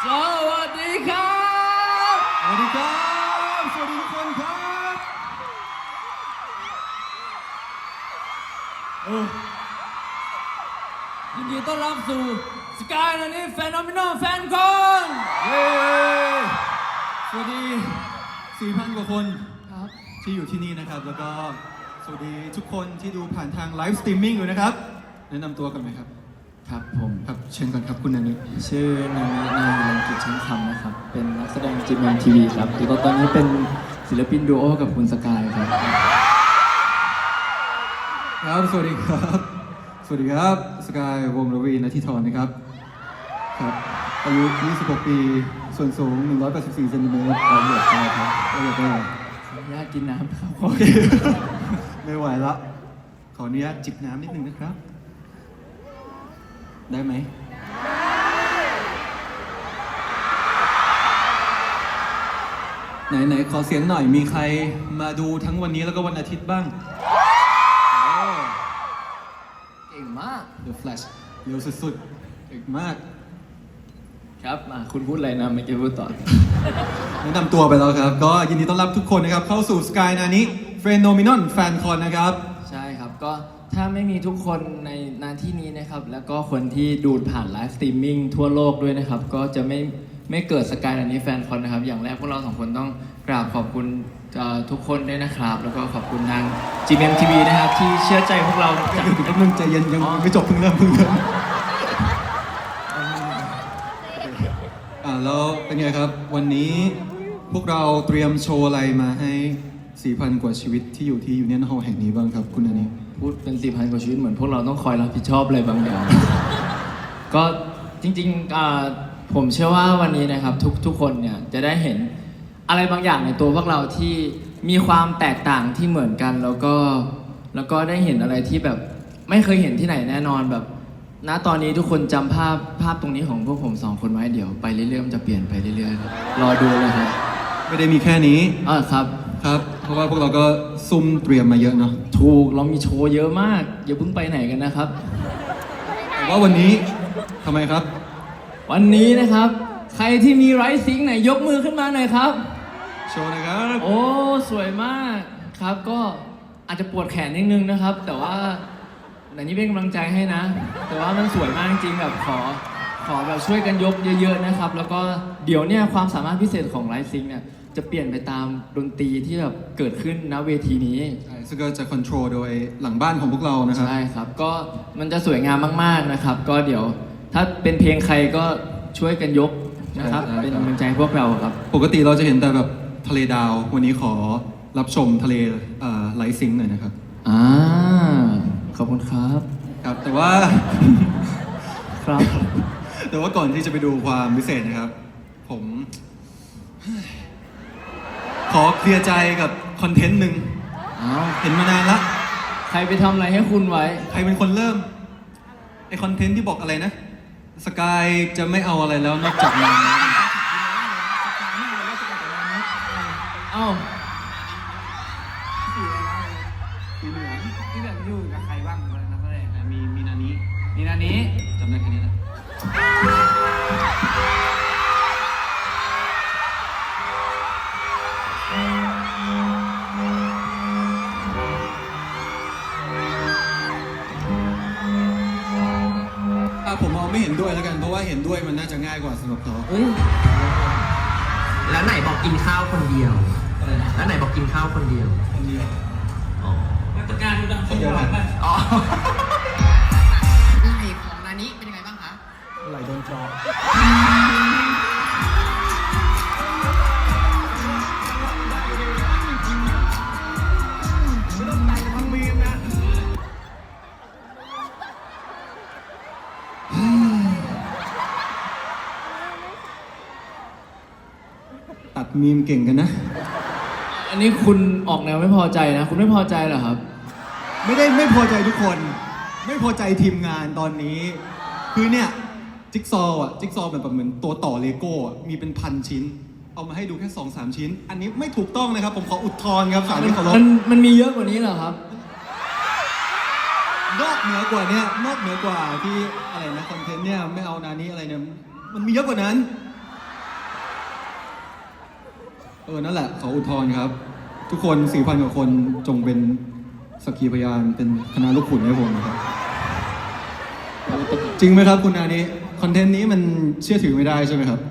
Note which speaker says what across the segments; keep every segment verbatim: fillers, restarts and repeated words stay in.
Speaker 1: สวัสดีครับ
Speaker 2: สวัสดีครับสวัสดีทุกคนครับโอ้
Speaker 1: ยินดีต้อนรับสู่สกายนันนี่แฟนนอมินอลแฟนคอน
Speaker 2: เย้สวัสดี สี่พัน กว่าคน
Speaker 1: ครับ
Speaker 2: ที่อยู่ที่นี่นะครับ แล้วก็สวัสดีทุกคนที่ดูผ่านทางไลฟ์สตรีมมิ่งอยู่นะครับ แนะนำตัวกันไหมครับ
Speaker 3: ครับผม
Speaker 2: ครับเชิญก่อนครับคุณนันนิ
Speaker 3: ชื่อนามินายลังกิจช่างคำนะครับ เป็นนักแสดงจีเอ็มทีวีครับแล้วก็ตอนนี้เป็นศิลปินดูโอกับคุณสกายครับ
Speaker 2: ครับสวัสดีครับ สวัสดีครับสกายวงศ์รวีณทิธรนะครับครับอายุ ยี่สิบหก ปีส่วนสูง หนึ่งร้อยแปดสิบสี่ เซนติเมตรละเอียดไปครับละเอียดไป
Speaker 3: ขออนุญาตกินน้ำครับ
Speaker 2: โอเค ไม่ไหวละขออนุญาตจิบน้ำนิดนึงนะครับ ได้ไหมไหนไหนขอเสียงหน่อยมีใครมาดูทั้งวันนี้แล้วก็วันอาทิตย์บ้าง
Speaker 3: เก่งมาก
Speaker 2: The Flash เร็วสุดๆเก่งมาก
Speaker 3: ครับมาคุณพูดอะไรนะไม่อกี้พูดต่อ
Speaker 2: แนะนำตัวไปแล้วครับ ก็ยินดีต้อนรับทุกคนนะครับ เข้าสู่ Sky นานิ Phenomenon Fan Con นะครับ
Speaker 3: ใช่ครับก็ถ้าไม่มีทุกคนในหน้าที่นี้นะครับ แล้วก็คนที่ดูผ่านไลฟ์สตรีมมิ่งทั่วโลกด้วยนะครับ ก็จะไม่ไม่เกิดสกายนันนี้แฟนคอนนะครับ อย่างแรกพวกเราสองคนต้องกราบขอบคุณเอ่อทุกคนด้วยนะครับ แล้วก็ขอบคุณทาง จี เอ็ม ที วี นะครับ ที่เชื่อใจพวกเราจาก
Speaker 2: แป๊บนึงใจเย็นยังไม่จบเพิ่งเริ่มเพิ่งเริ่มอ่าแล้วเป็นไงครับ วันนี้พวกเราเตรียมโชว์อะไรมาให้ สี่พัน กว่าชีวิตที่อยู่ที่ยูเนียนฮอลล์แห่งนี้บ้างครับคุณนันนิ
Speaker 3: พูดเป็นสี่พันกว่าชีวิตเหมือนพวกเราต้องคอยรับผิดชอบอะไรบางอย่าง ก็จริงๆอ่าผมเชื่อว่าวันนี้นะครับทุกทุกคนเนี่ยจะได้เห็นอะไรบางอย่างในตัวพวกเราที่มีความแตกต่างที่เหมือนกัน แล้วก็แล้วก็ได้เห็นอะไรที่แบบไม่เคยเห็นที่ไหนแน่นอนแบบ ณตอนนี้ทุกคนจำภาพภาพตรงนี้ของพวกผมสองคนไว้เดี๋ยวไปเรื่อยๆมันจะเปลี่ยนไปเรื่อยๆครับรอดูเลยครับ
Speaker 2: ไม่ได้มีแค่นี้
Speaker 3: อ่าครับ
Speaker 2: ครับ เพราะว่าพวกเราก็ซุ่มเตรียมมาเยอะเนาะ
Speaker 3: ถูกเรามีโชว์เยอะมากอย่าเพิ่งไปไหนกันนะครับ
Speaker 2: แต่ว่าวันนี้ทำไมครับ
Speaker 3: วันนี้นะครับ ใครที่มีไรซิงค์ไหนยกมือขึ้นมาหน่อยครับ
Speaker 2: โชว์นะครับ
Speaker 3: โอ้สวยมากครับก็อาจจะปวดแขนนิดนึงนะครับ แต่ว่าแต่นี้เป็นกำลังใจให้นะ แต่ว่ามันสวยมากจริงๆแบบขอขอแบบช่วยกันยกเยอะๆนะครับ แล้วก็เดี๋ยวเนี่ยความสามารถพิเศษของไรซิงค์เนี่ยจะเปลี่ยนไปตามดนตรีที่แบบเกิดขึ้นณเวทีนี้
Speaker 2: ใช่ซึ่งก็จะควบคุมโดยหลังบ้านของพวกเรานะครับ
Speaker 3: ใช่ครับก็มันจะสวยงามมากๆนะครับ ก็เดี๋ยวถ้าเป็นเพลงใครก็ช่วยกันยกนะครับ
Speaker 2: ใช่ครับ
Speaker 3: เป็นกำลังใจให้พวกเราครับ
Speaker 2: ปกติเราจะเห็นแต่แบบทะเลดาว วันนี้ขอรับชมทะเลไลท์ซิงค์หน่อยนะครับ
Speaker 3: อ่าขอบคุณครับ
Speaker 2: ครับ แต่ว่า
Speaker 3: ครับ
Speaker 2: แต่ว่าก่อนที่จะไปดูความพิเศษนะครับ ผม ขอเคลียร์ใจกับคอนเทนต์หนึ่ง
Speaker 3: อ้าว
Speaker 2: เห็นมานานละ
Speaker 3: ใครไปทำอะไรให้คุณไว้
Speaker 2: ใครเป็นคนเริ่ม ไอคอนเทนต์ที่บอกอะไรนะ สกายจะไม่เอาอะไรแล้วนอกจากงาน
Speaker 3: เอ้า
Speaker 2: สีเหลือง
Speaker 1: ที่แบบอยู่กับใครบ้างวันนั้นก็เลย
Speaker 2: มีมีนานี้
Speaker 1: มีนานี้
Speaker 2: จำได้แค่นี้แหละอ่ะผมเอาไม่เห็นด้วยแล้วกัน เพราะว่าเห็นด้วยมันน่าจะง่ายกว่าสำหรับเขา
Speaker 3: เฮ้ย
Speaker 4: แล้วไหนบอกกินข้าวคนเดียว แล้วไหนบอกกินข้าวคนเดียว
Speaker 2: คนเดียว
Speaker 4: อ๋อ
Speaker 1: มาตรการดูดังสมหวังไป
Speaker 4: อ๋อ
Speaker 5: ไหล่ของนานิเป็นยังไงบ้างคะ
Speaker 2: ไหลโดนจอตัดมีมเก่งกันนะ
Speaker 3: อันนี้คุณออกแนวไม่พอใจนะ คุณไม่พอใจเหรอครับ
Speaker 2: ไม่ได้ไม่พอใจทุกคน ไม่พอใจทีมงานตอนนี้ คือเนี่ย จิ๊กซอว์อ่ะ จิ๊กซอว์แบบเหมือนตัวต่อเลโก้อ่ะมีเป็นพันชิ้น เอามาให้ดูแค่สองสามชิ้น อันนี้ไม่ถูกต้องนะครับ ผมขออุทธรณ์ครับสารที่เคารพ
Speaker 3: มันมันมีเยอะกว่านี้เหรอครับ
Speaker 2: นอกเหนือกว่าเนี้ยนอกเหนือกว่าที่อะไรนะคอนเทนต์เนี่ยไม่เอานานี้อะไรเนี่ยมันมีเยอะกว่านั้นเออ นั่นแหละขออุทธรณ์ครับ ทุกคน สี่พัน กว่าคนจงเป็นสักขีพยานเป็นคณะลูกขุนให้ผมนะครับ จริงไหมครับคุณนานี้คอนเทนต์นี้มันเชื่อถือไม่ได้ใช่ไหมครับ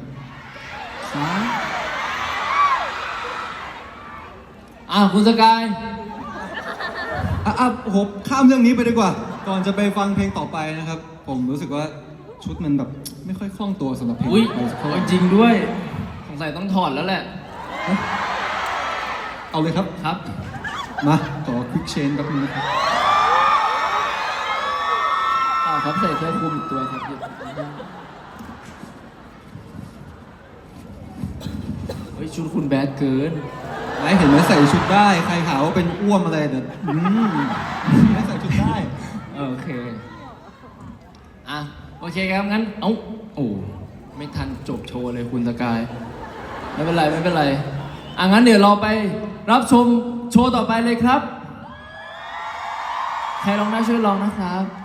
Speaker 3: อ่ะคุณสกาย
Speaker 2: อ่ะอ่ะผมข้ามเรื่องนี้ไปดีกว่า ก่อนจะไปฟังเพลงต่อไปนะครับ ผมรู้สึกว่าชุดมันแบบไม่ค่อยคล่องตัวสำหรับเพลง
Speaker 3: อุ้ย
Speaker 2: ต่อไปสักเท่าไหร่
Speaker 3: จริงด้วยสงสัยต้องถอดแล้วแหละ
Speaker 2: เอาเลยครับ
Speaker 3: ครับ
Speaker 2: มาขอควิกเชนแป๊บนึงนะครับ
Speaker 3: อ่าครับใส่เสื้อคลุมอีกตัวครับเฮ้ยชุดคุณแบดเกิน
Speaker 2: ไหนเห็นไหมใส่ชุดได้ ใครหาว่าเป็นอ้วมอะไรเดี๋ยวอืมไม่ใส่ชุดได้
Speaker 3: โอเค อ่ะ โอเคครับ งั้น เอ้า โอ้ ไม่ทันจบโชว์เลยคุณสกาย ไม่เป็นไร ไม่เป็นไร อ่ะ งั้นเดี๋ยวเราไปรับชมโชว์ต่อไปเลยครับ ใครร้องได้ช่วยร้องนะครับ